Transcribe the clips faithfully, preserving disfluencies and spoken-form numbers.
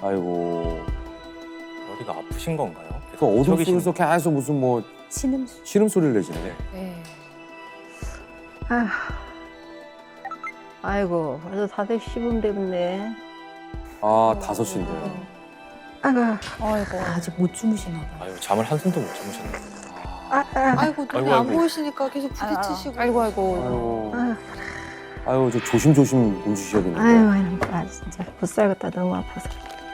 아이고. 어디가 아프신 건가요? 그 어둠 저기 속에서 계속 무슨 뭐 신음 신음 소리를 내시네. 네. 아휴. 아이고, 벌써 다들 시분 되었네. 아, 다섯 시인데요. 아이고, 아이고 아직 못 주무시나 봐요. 아유 잠을 한숨도 못 주무셨네요. 아, 아, 아이고 눈이 아이고, 안 아이고. 보이시니까 계속 부딪히시고. 아이고 아이고. 아유, 아, 아유, 저 조심조심 움직이셔야겠는데. 아유, 아유, 아, 진짜 못 살겠다. 너무 아파서.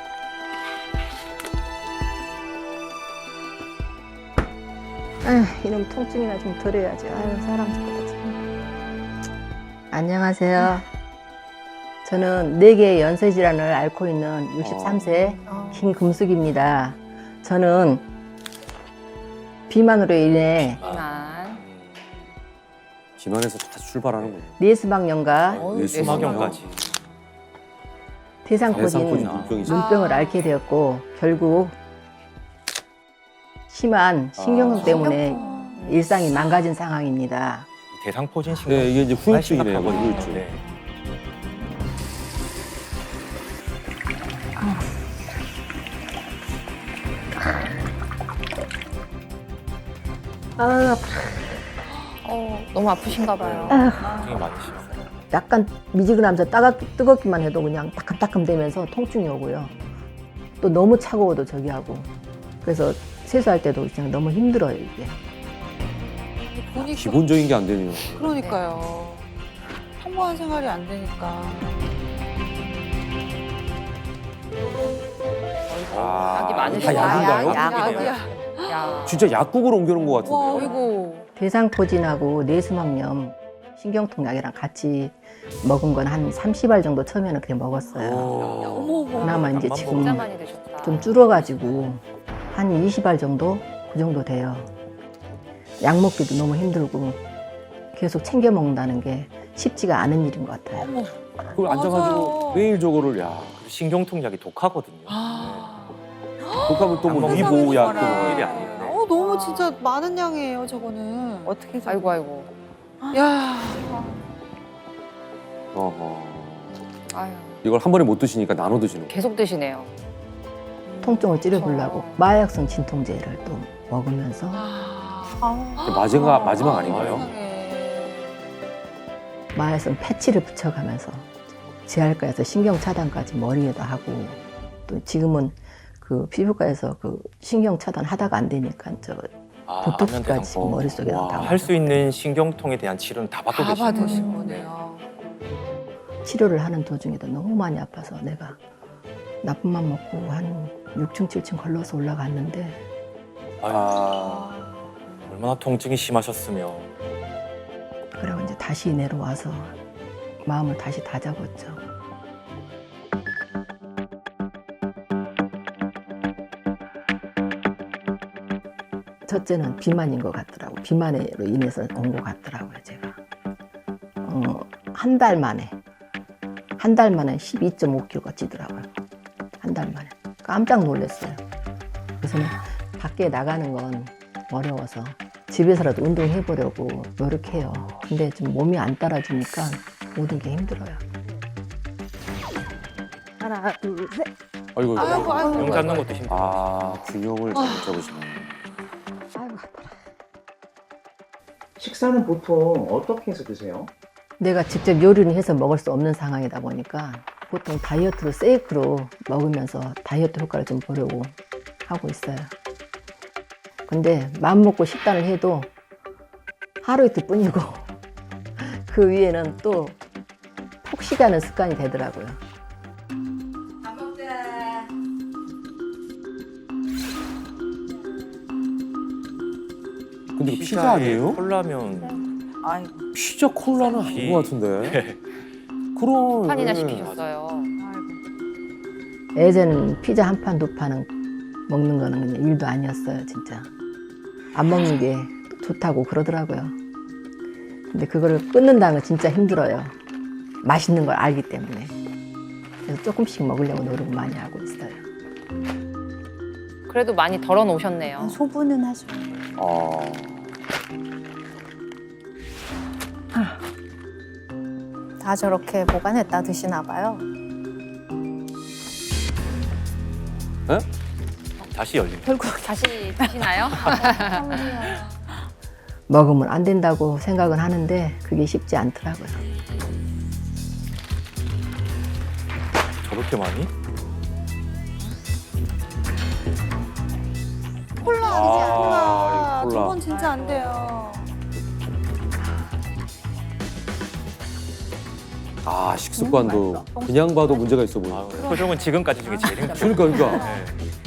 아휴, 이놈 통증이나 좀 덜어야지. 아유, 사람 죽겠다, 참. 안녕하세요. 저는 네 개의 연쇄 질환을 앓고 있는 육십삼 세 어. 김금숙입니다. 저는 비만으로 인해 비만. 비만에서 다시 출발하는군요. 뇌수막염과 어우, 수막염까지. 대상포진 대상포진 눈병이 있어요. 눈병을 앓게 되었고 결국 심한 신경통 아. 때문에 일상이 망가진 상황입니다. 대상포진 신경. 네, 이게 이제 정말 후유증이네요. 심각하거든요. 후유증. 네. 아, 어, 너무 아프신가 봐요. 통증이 많으시죠. 약간 미지근하면서 따가, 뜨겁기만 해도 그냥 따끔따끔 되면서 통증이 오고요. 또 너무 차가워도 저기 하고. 그래서 세수할 때도 그냥 너무 힘들어요, 이게. 보니까 기본적인 게 안 되네요. 그러니까요. 평범한 생활이 안 되니까. 아, 약이 다 많으시다. 약인가요? 약, 약이야. 야. 진짜 약국으로 옮겨놓은 것 와, 같은데요. 아이고. 대상포진하고 뇌수막염, 신경통 약이랑 같이 먹은 건 한 삼십 알 정도 처음에는 그냥 먹었어요. 오. 어머 어머. 그나마 이제 약만 지금 진짜 많이 드셨다. 좀 줄어가지고 한 이십 알 정도? 그 정도 돼요. 약 먹기도 너무 힘들고 계속 챙겨 먹는다는 게 쉽지가 않은 일인 것 같아요. 어머. 그걸 앉아가지고 맞아요. 매일 저거를 야. 그리고 신경통 약이 독하거든요. 아. 독하면 또 뭐 약 위보약 먹는 또 거라. 뭐 일이 아니에요. 네. 어 너무 진짜 많은 양이에요 저거는. 어떻게 아이고 아이고. 야. 어허. 아유. 이걸 한 번에 못 드시니까 나눠 드시는 거예요. 계속 드시네요. 통증을 찌려보려고 어. 마약성 진통제를 또 먹으면서 아. 마지막 마지막 아닌가요? 세상에. 마약성 패치를 붙여가면서 재활과에서 신경 차단까지 머리에다 하고 또 지금은 그 피부과에서 그 신경 차단 하다가 안 되니까 저 아, 보톡스까지 안면대상포. 머릿속에 와, 다 할 수 있는 신경통에 대한 치료는 다 받고 다 계시는 거예요. 받으신 거네요. 치료를 하는 도중에도 너무 많이 아파서 내가 나쁜 맘 먹고 한 육 층, 칠 층 걸러서 올라갔는데 아, 얼마나 통증이 심하셨으며. 그리고 이제 다시 내려와서 마음을 다시 다잡았죠. 첫째는 비만인 것 같더라고. 비만으로 인해서 온 것 같더라고요, 제가. 어, 한 달 만에, 한 달 만에 십이 점 오 킬로그램가 찌더라고요. 한 달 만에. 깜짝 놀랐어요. 그래서 밖에 나가는 건 어려워서 집에서라도 운동해보려고 노력해요. 근데 좀 몸이 안 따라주니까 모든 게 힘들어요. 하나, 둘, 셋. 아이고, 아이고 아이고. 용 잡는 것도 힘들어요. 아, 균형을 잘 잡으시네. 아이고, 아파라. 식사는 보통 어떻게 해서 드세요? 내가 직접 요리를 해서 먹을 수 없는 상황이다 보니까 보통 다이어트로 세이크로 먹으면서 다이어트 효과를 좀 보려고 하고 있어요. 근데 마음 먹고 식단을 해도 하루 이틀 뿐이고 그 위에는 또 폭식하는 습관이 되더라고요. 근데 이거 피자 아니에요? 콜라면 아이고. 피자 콜라는 아닌 것 같은데. 그럼. 판이나 예. 시키셨어요. 예전에는 피자 한 판, 두 판은 먹는 거는 그냥 일도 아니었어요, 진짜. 안 먹는 게 좋다고 그러더라고요. 근데 그거를 끊는다는 건 진짜 힘들어요. 맛있는 걸 알기 때문에. 그래서 조금씩 먹으려고 노력을 많이 하고 있어요. 그래도 많이 덜어 놓으셨네요. 소분은 하죠. 아, 다 저렇게 보관했다 드시나 봐요. 다시 열립니다. 결국 다시 드시나요? 먹으면 안 된다고 생각은 하는데 그게 쉽지 않더라고요. 저렇게 많이? 콜라 아, 아니지 콜라. 콜라. 저건 진짜 안 돼요. 아, 식습관도 그냥 봐도 문제가 있어 보여. 아, 표정은 지금까지 중에 제일 행복해요. 그러니까, 그러니까. 네.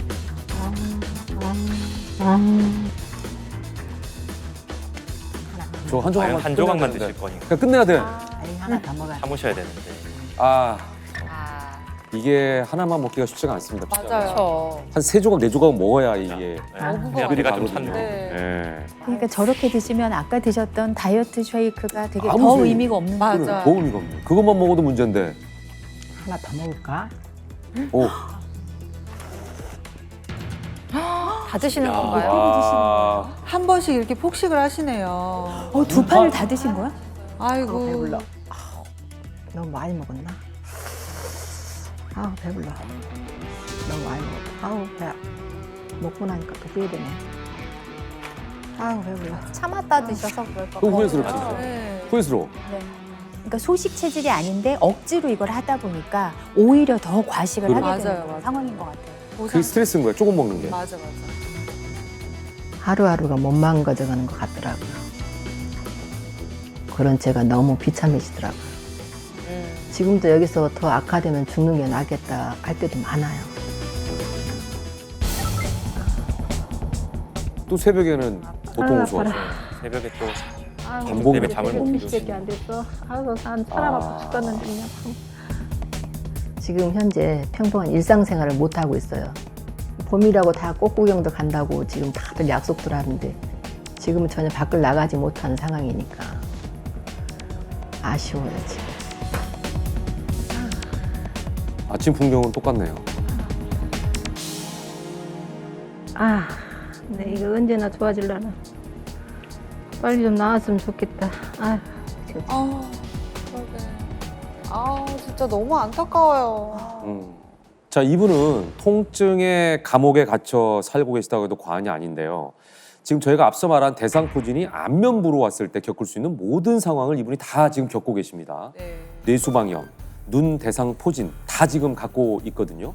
저 한 과연 조각만 한 조각만 끝내야 드실 되는데. 거니까 그냥 끝내야 돼. 아니 하나 더 먹어야 돼. 참으셔야 되는데. 아, 아, 이게 하나만 먹기가 쉽지가 않습니다. 진짜. 맞아요. 그렇죠. 한 세 조각, 네 조각 먹어야 이게. 네. 어부가 배가 좀 가거든요. 찼네. 네. 예. 그러니까 저렇게 드시면 아까 드셨던 다이어트 쉐이크가 되게 아무 더 소용이 의미가 없는 맞아. 거예요. 맞아요. 도움이가 없네. 그것만 먹어도 문제인데. 하나 더 먹을까? 오. 다 드시는 야. 건가요? 와. 한 번씩 이렇게 폭식을 하시네요. 어, 두 판을 다 드신 거야? 아이고. 아우, 배불러. 아우, 너무 많이 먹었나? 아우 배불러. 너무 많이 먹었다. 아우 배. 먹고 나니까 또 후회되네. 아우 배불러. 참았다 드셔서 그럴까 또 봐. 후회스럽지. 아, 네. 후회스러워. 그러니까 소식 체질이 아닌데 억지로 이걸 하다 보니까 오히려 더 과식을 그래. 하게 되는 맞아요, 맞아요. 상황인 것 같아요. 그게 스트레스인 거야. 조금 먹는 게. 맞아 맞아. 하루하루가 못 망가져가는 것 같더라고요. 그런 제가 너무 비참해지더라고요. 음. 지금도 여기서 더 악화되면 죽는 게 낫겠다 할 때도 많아요. 또 새벽에는 보통 아, 오수하죠. 네. 새벽에 또 반복이 때문에 잠을 못 주무시고. 안 됐어. 아우 난 사람 아파 죽겠는데 그냥. 지금 현재 평범한 일상생활을 못 하고 있어요. 봄이라고 다 꽃구경도 간다고 지금 다들 약속들 하는데 지금은 전혀 밖을 나가지 못하는 상황이니까 아쉬워요 지금. 아침 풍경은 똑같네요. 아, 근데 이거 언제나 좋아질라나. 빨리 좀 나왔으면 좋겠다. 아, 지금 아, 그러게. 아, 진짜 너무 안타까워요. 음. 자, 이분은 통증의 감옥에 갇혀 살고 계시다고 해도 과언이 아닌데요. 지금 저희가 앞서 말한 대상포진이 안면부로 왔을 때 겪을 수 있는 모든 상황을 이분이 다 지금 겪고 계십니다. 네. 뇌수방염, 눈 대상포진 다 지금 갖고 있거든요.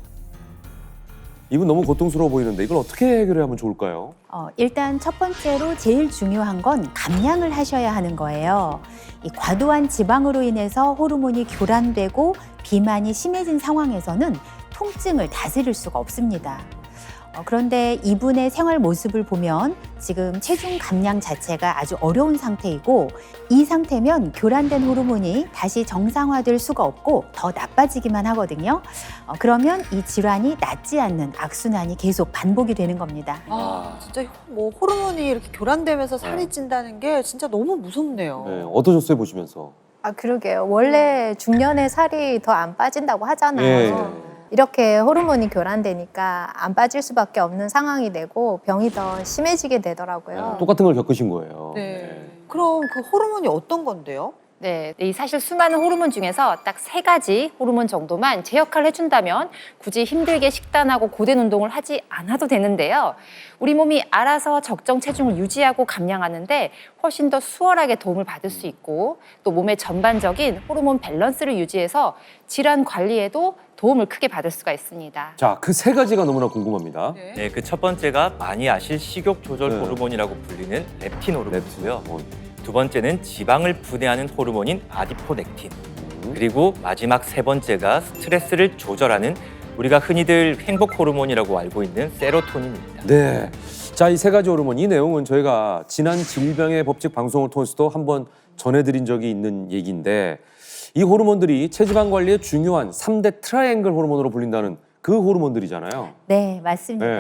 이분 너무 고통스러워 보이는데 이걸 어떻게 해결해야 하면 좋을까요? 어, 일단 첫 번째로 제일 중요한 건 감량을 하셔야 하는 거예요. 이 과도한 지방으로 인해서 호르몬이 교란되고 비만이 심해진 상황에서는 통증을 다스릴 수가 없습니다. 어, 그런데 이분의 생활 모습을 보면 지금 체중 감량 자체가 아주 어려운 상태이고 이 상태면 교란된 호르몬이 다시 정상화될 수가 없고 더 나빠지기만 하거든요. 어, 그러면 이 질환이 낫지 않는 악순환이 계속 반복이 되는 겁니다. 아, 진짜 뭐 호르몬이 이렇게 교란되면서 살이 네. 찐다는 게 진짜 너무 무섭네요. 네, 어떠셨어요 보시면서? 아, 그러게요. 원래 중년에 살이 더 안 빠진다고 하잖아요. 예. 이렇게 호르몬이 교란되니까 안 빠질 수밖에 없는 상황이 되고 병이 더 심해지게 되더라고요. 네, 똑같은 걸 겪으신 거예요. 네. 그럼 그 호르몬이 어떤 건데요? 네, 이 사실 수많은 호르몬 중에서 딱 세 가지 호르몬 정도만 제 역할을 해준다면 굳이 힘들게 식단하고 고된 운동을 하지 않아도 되는데요. 우리 몸이 알아서 적정 체중을 유지하고 감량하는데 훨씬 더 수월하게 도움을 받을 수 있고 또 몸의 전반적인 호르몬 밸런스를 유지해서 질환 관리에도 도움을 크게 받을 수가 있습니다. 자, 그 세 가지가 너무나 궁금합니다. 네, 그 첫 번째가 많이 아실 식욕 조절 네. 호르몬이라고 불리는 렙틴 호르몬이고요. 어, 두 번째는 지방을 분해하는 호르몬인 아디포넥틴. 음. 그리고 마지막 세 번째가 스트레스를 조절하는 우리가 흔히들 행복 호르몬이라고 알고 있는 세로토닌입니다. 네. 자, 이 세 가지 호르몬, 이 내용은 저희가 지난 질병의 법칙 방송을 통해서도 한번 전해드린 적이 있는 얘기인데 이 호르몬들이 체지방 관리에 중요한 삼 대 트라이앵글 호르몬으로 불린다는 그 호르몬들이잖아요. 네, 맞습니다. 네.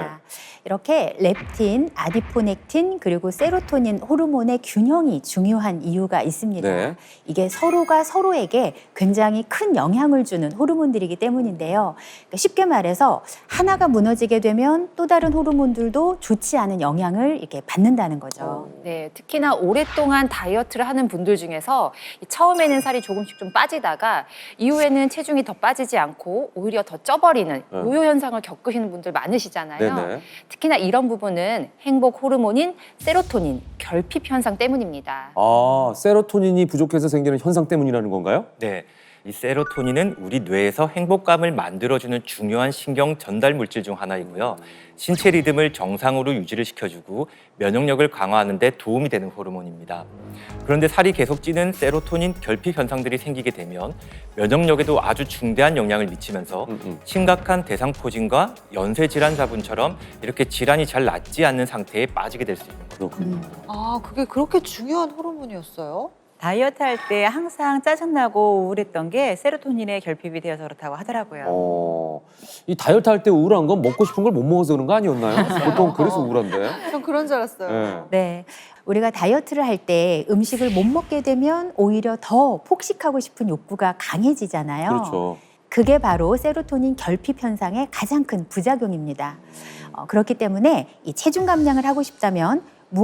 이렇게 렙틴, 아디포넥틴, 그리고 세로토닌 호르몬의 균형이 중요한 이유가 있습니다. 네. 이게 서로가 서로에게 굉장히 큰 영향을 주는 호르몬들이기 때문인데요. 그러니까 쉽게 말해서 하나가 무너지게 되면 또 다른 호르몬들도 좋지 않은 영향을 이렇게 받는다는 거죠. 네, 특히나 오랫동안 다이어트를 하는 분들 중에서 처음에는 살이 조금씩 좀 빠지다가 이후에는 체중이 더 빠지지 않고 오히려 더 쪄버리는 네. 요요 현상을 겪으시는 분들 많으시잖아요. 네네. 특히나 이런 부분은 행복 호르몬인 세로토닌, 결핍 현상 때문입니다. 아, 세로토닌이 부족해서 생기는 현상 때문이라는 건가요? 네, 이 세로토닌은 우리 뇌에서 행복감을 만들어주는 중요한 신경 전달 물질 중 하나이고요. 신체 리듬을 정상으로 유지를 시켜주고 면역력을 강화하는 데 도움이 되는 호르몬입니다. 그런데 살이 계속 찌는 세로토닌 결핍 현상들이 생기게 되면 면역력에도 아주 중대한 영향을 미치면서 음, 음. 심각한 대상포진과 연쇄 질환자분처럼 이렇게 질환이 잘 낫지 않는 상태에 빠지게 될 수 있는 거죠. 그렇군요. 아, 그게 그렇게 중요한 호르몬이었어요? 다이어트 할 때 항상 짜증나고 우울했던 게 세로토닌의 결핍이 되어서 그렇다고 하더라고요. 어, 이 다이어트 할 때 우울한 건 먹고 싶은 걸 못 먹어서 그런 거 아니었나요? 보통 그래서 우울한데. 전 그런 줄 알았어요. 네. 네. 우리가 다이어트를 할 때 음식을 못 먹게 되면 오히려 더 폭식하고 싶은 욕구가 강해지잖아요. 그렇죠. 그게 바로 세로토닌 결핍 현상의 가장 큰 부작용입니다. 어, 그렇기 때문에 이 체중 감량을 하고 싶다면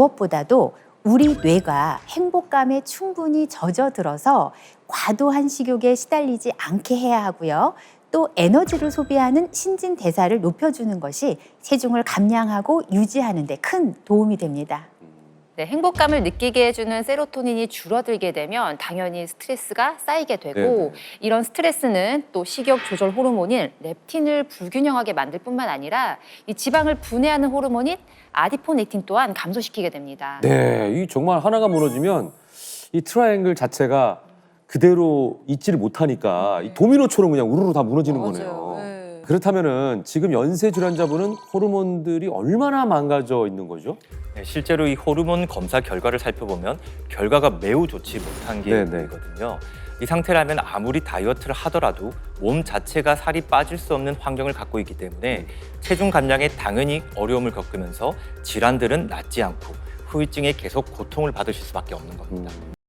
무엇보다도 우리 뇌가 행복감에 충분히 젖어들어서 과도한 식욕에 시달리지 않게 해야 하고요. 또 에너지를 소비하는 신진대사를 높여주는 것이 체중을 감량하고 유지하는 데 큰 도움이 됩니다. 네, 행복감을 느끼게 해주는 세로토닌이 줄어들게 되면 당연히 스트레스가 쌓이게 되고 네네. 이런 스트레스는 또 식욕 조절 호르몬인 렙틴을 불균형하게 만들 뿐만 아니라 이 지방을 분해하는 호르몬인 아디포넥틴 또한 감소시키게 됩니다. 네, 이 정말 하나가 무너지면 이 트라이앵글 자체가 그대로 있지를 못하니까 이 도미노처럼 그냥 우르르 다 무너지는 거네요. 네. 그렇다면은 지금 연쇄 질환자분은 호르몬들이 얼마나 망가져 있는 거죠? 네, 실제로 이 호르몬 검사 결과를 살펴보면 결과가 매우 좋지 못한 게 네네. 보이거든요. 이 상태라면 아무리 다이어트를 하더라도 몸 자체가 살이 빠질 수 없는 환경을 갖고 있기 때문에 체중 감량에 당연히 어려움을 겪으면서 질환들은 낫지 않고 후유증에 계속 고통을 받으실 수밖에 없는 겁니다. 음.